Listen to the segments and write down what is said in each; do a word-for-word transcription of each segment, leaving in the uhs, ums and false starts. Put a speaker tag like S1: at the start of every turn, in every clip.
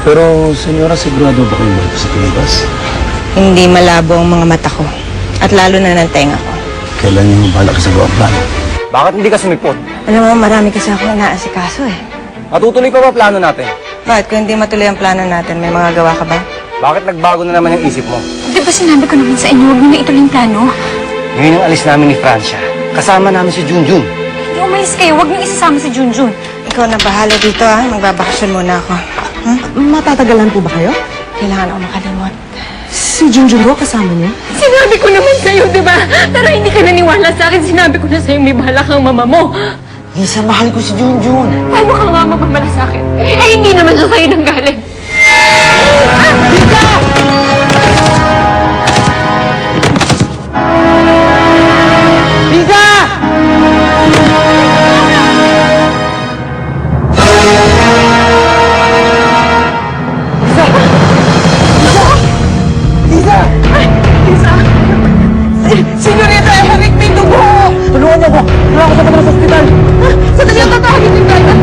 S1: Pero, senyora, sigurado ba kayo sa Pilipinas?
S2: Hindi malabo ang mga mata ko. At lalo na ng tenga ko.
S1: Kailan yung balak sa gawa plan?
S3: Bakit hindi ka sumipot?
S2: Alam mo, marami kasi ako inaasikaso eh.
S3: Matutuloy pa ba plano natin?
S2: Bakit? Kung hindi matuloy ang plano natin, may mga gawa ka ba?
S3: Bakit nagbago na naman yung isip mo?
S4: Di ba sinabi ko naman sa inyo, huwag mo na ituloy yung plano?
S3: Ngayon ang alis namin ni Francia. Kasama namin si Junjun.
S4: Hindi umalis kayo, huwag niyo isasama si Junjun.
S2: Ikaw na bahala dito ah. Magbabakasyon muna ako. Hmm?
S5: Matatagalan po ba kayo?
S2: Kailangan ako makalimot.
S5: Si Junjun ko kasama niyo?
S4: Sinabi ko naman sa'yo, di ba? Pero hindi ka naniwala sa akin. Sinabi ko na sa'yo, may bahala kang mama mo.
S5: Lisa, mahal ko si Junjun.
S4: Paano ka nga magmamala sa akin? Eh, hindi naman siya sa'yo nang galing.
S5: Senyorita, Eric, may dugo! Tulungan niyo ako! Wala ako sa kanila sa ospital! Sandali ang tatawagin yung kaya!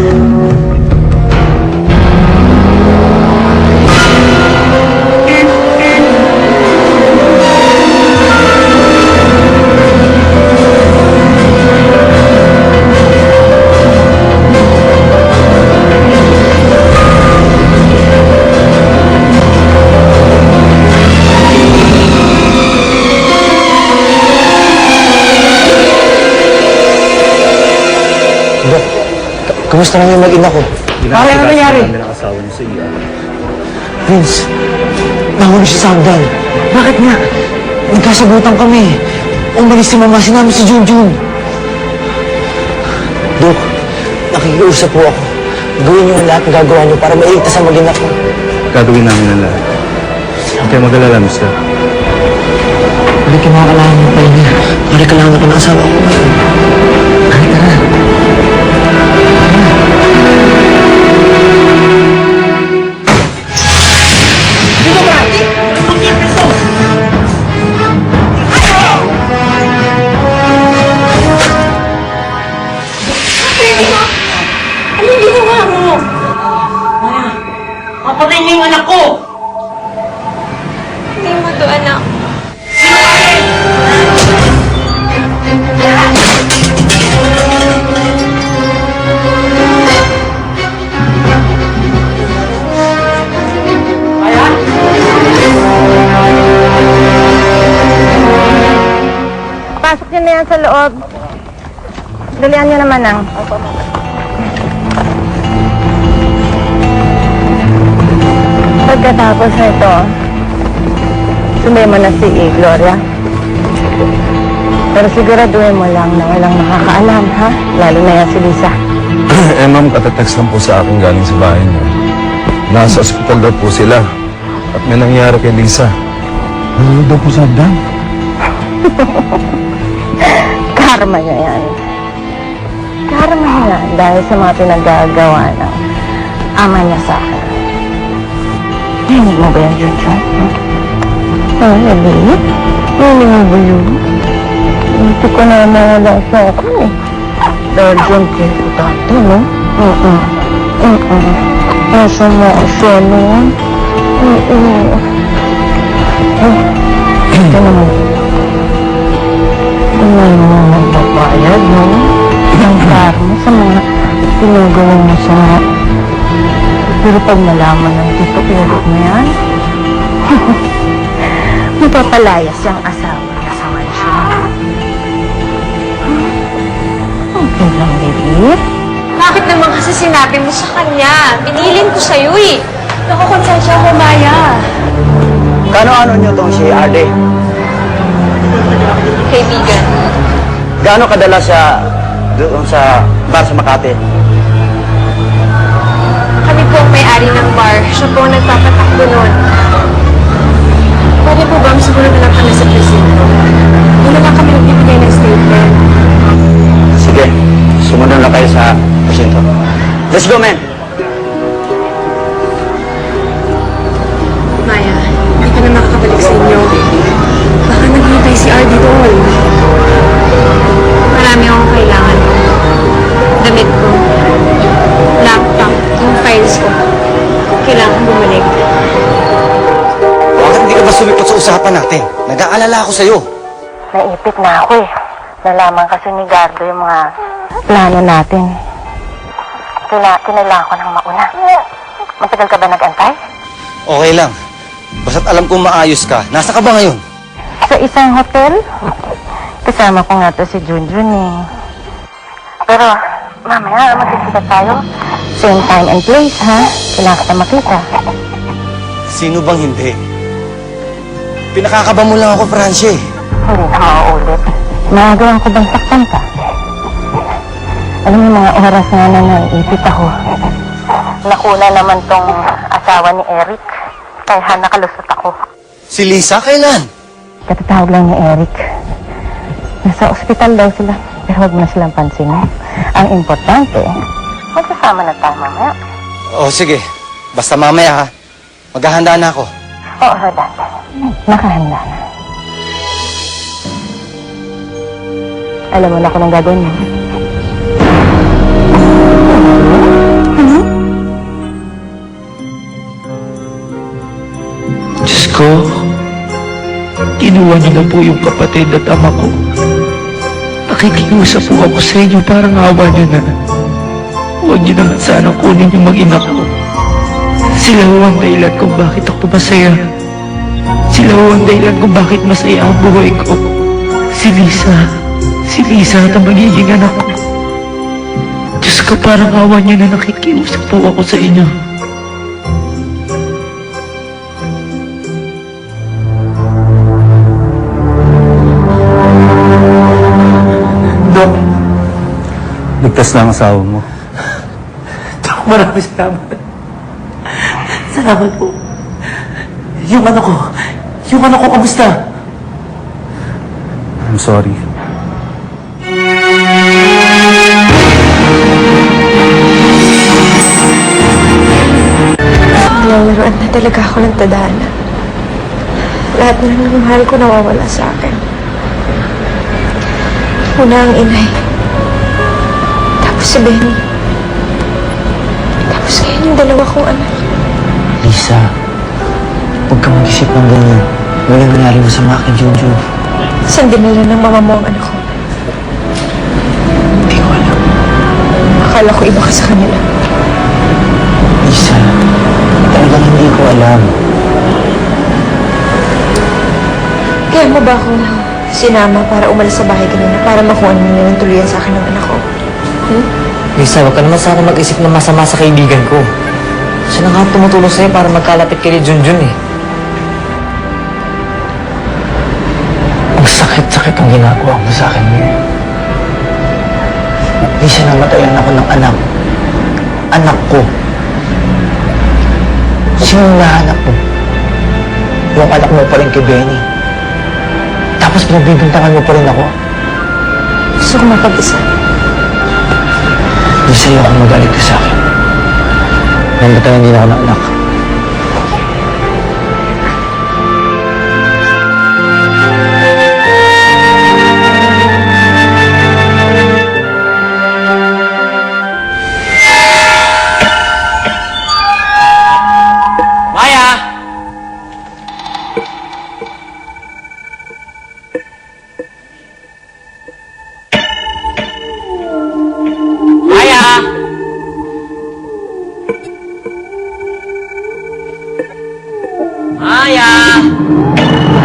S3: Kamusta lang yung mag-ina ko?
S5: Pare, ano nangyari?
S3: Vince, nahuli si Sandal.
S5: Bakit nga?
S3: Nagkasagutan kami. Umalis si Mama, sinama si Junjun. Dok, nakikiusap po ako. Gawin niyo ang lahat ng gagawa niyo para mailigtas ang mag-ina ko.
S1: Gagawin namin ang lahat. Huwag kayo mag-alala, mister.
S3: Pare, kailangan mo pa niya. Pare, kailangan ko ng asawa ko ngayon. Pare, tara.
S4: Anong ginawa mo?
S5: Kapatid niyo yung anak ko!
S4: Hindi mo to, anak.
S2: Pasok niyo na yan sa loob. Dalian niyo naman ang. Pagkatapos nito, sumay mo na si Gloria. Pero siguraduhin mo lang na walang nakakaalam, ha? Lalo na yan si Lisa.
S1: eh, ma'am, katatext lang po sa akin galing sa bahay niyo. Nasa ospital daw po sila. At may nangyari kay Lisa. Ano daw po sa hagdan?
S2: Karma niya yan. Karma niya yan dahil sa mga pinagagawa ng ama niya sa akin. Narinig mo ba yan, Junjun? Ah, narinig? Narinig mo ba yun? Hindi ko na nawala sa akin eh. Dahil dyan kinutante, no? Mm-mm. Mm-mm. Nasa mga siya noon. Mm-mm. Ito naman. Ito na yung mga magbabayad, no? Ang karma sa mga pinagawa mo sa mga. Pero pag nalaman ng tito, pinagod mo yan, mapapalayas yung asawa niya sa mansyon. Okay lang, baby.
S4: Bakit naman kasi sinabi mo sa kanya? Pinilin ko sa'yo eh. Nakakonsensya ako, Maya.
S3: Kano-ano niyo tong si Arde?
S4: Kaibigan.
S3: Gaano kadala siya doon sa bar sa Makati?
S4: Kami po ang may-ari ng bar. Siya po ang nagpapatakbo noon. Pwede po ba siguro na lang kami sa presinto? Doon na lang kami nagbibigay ng statement.
S3: Sige, sumunod na kayo sa presinto. Let's go, man!
S4: Maya, hindi ka na makakabalik sa inyo. Baka naghihintay si Ardy doon. Marami akong kailangan. Damit ko, laptop, yung files ko. Kailangan
S3: natin? Nag-aalala ako sa'yo.
S2: Naipit na ako eh. Nalaman kasi ni Gardo yung mga plano natin. Kina kinailangan ko ng mauna. Matagal ka ba nag-antay?
S3: Okay lang. Basta't alam kong maayos ka. Nasa ka ba ngayon?
S2: Sa isang hotel? Kasama ko nga to si Junjun eh. Pero, mamaya magkikita tayo. Same time and place, ha? Kailangan kita makita.
S3: Sino bang hindi? Pinakakaba mo lang ako, Francie.
S2: Hindi na mauulit. Magagawa ko bang saktan ka? Alam mo yung mga oras nga na naiipit ako. Nakuna naman tong asawa ni Eric. Kaya nakalusot ako.
S3: Si Lisa, kailan?
S2: Katatawag lang ni Eric. Nasa ospital daw sila. Pero huwag mo na silang pansinin. Ang importante, magsasama na tayo mamaya.
S3: O sige, basta mamaya ha. Maghahanda na ako.
S2: Oo, Rodan. Nakahanda na. Alam mo na kung anong gagawin mo.
S6: Diyos ko, kinuha niyo na po yung kapatid at ama ko. Nakikiusap po ako sa inyo, parang awa niyo na. Huwag niyo naman sanang kunin yung mag-ina ko. Sila ho ang dahilan kung bakit ako masaya. Sila ho ang dahilan kung bakit masaya ang buhay ko. Si Lisa, si Lisa at ang magiging anak ko. Diyos ko, parang awa niyo na nakikiusap po ako sa inyo.
S1: Dok, ligtas na ang asawa mo.
S6: Dok, maraming salamat. Salamat po. Yung ano ko, yung ano ko, kamusta?
S1: I'm sorry.
S4: Nalalaroan na talaga ako ng tadhana. Lahat na ng mahal ko nawawala sa akin. Una ang inay. Tapos si Benny. Tapos ngayon yung dalawa kong anak.
S3: Lisa, huwag ka mag-isip ng ganyan. Wala nangyari masama kay Jojo.
S4: Saan dinala ng mama mo ang anak ko?
S3: Hindi ko alam.
S4: Akala ko iba ka sa kanila.
S3: Lisa, talagang hindi ko alam.
S4: Kaya mo ba ako sinama para umalis sa bahay kanina para makuha niyo yung tuluyan sa akin ng anak ko? Hmm?
S3: Lisa, huwag ka naman sana mag-isip ng masama sa kaibigan ko. Siya na nga tumutulong sa'yo para magkalapit kay Junjun eh. Ang sakit-sakit ang ginagawa mo sa akin ngayon. Lisa, namatayan ako ng anak. Anak ko. Sino nahanap mo? Yung anak mo pa rin kay Benny. Tapos pinagbibintangan mo pa rin ako.
S4: Gusto ko mapag-isa.
S3: Lisa, ayaw kang magalit ka sa akin. Namatayan din ako ng anak. Maya! Maya! Maya!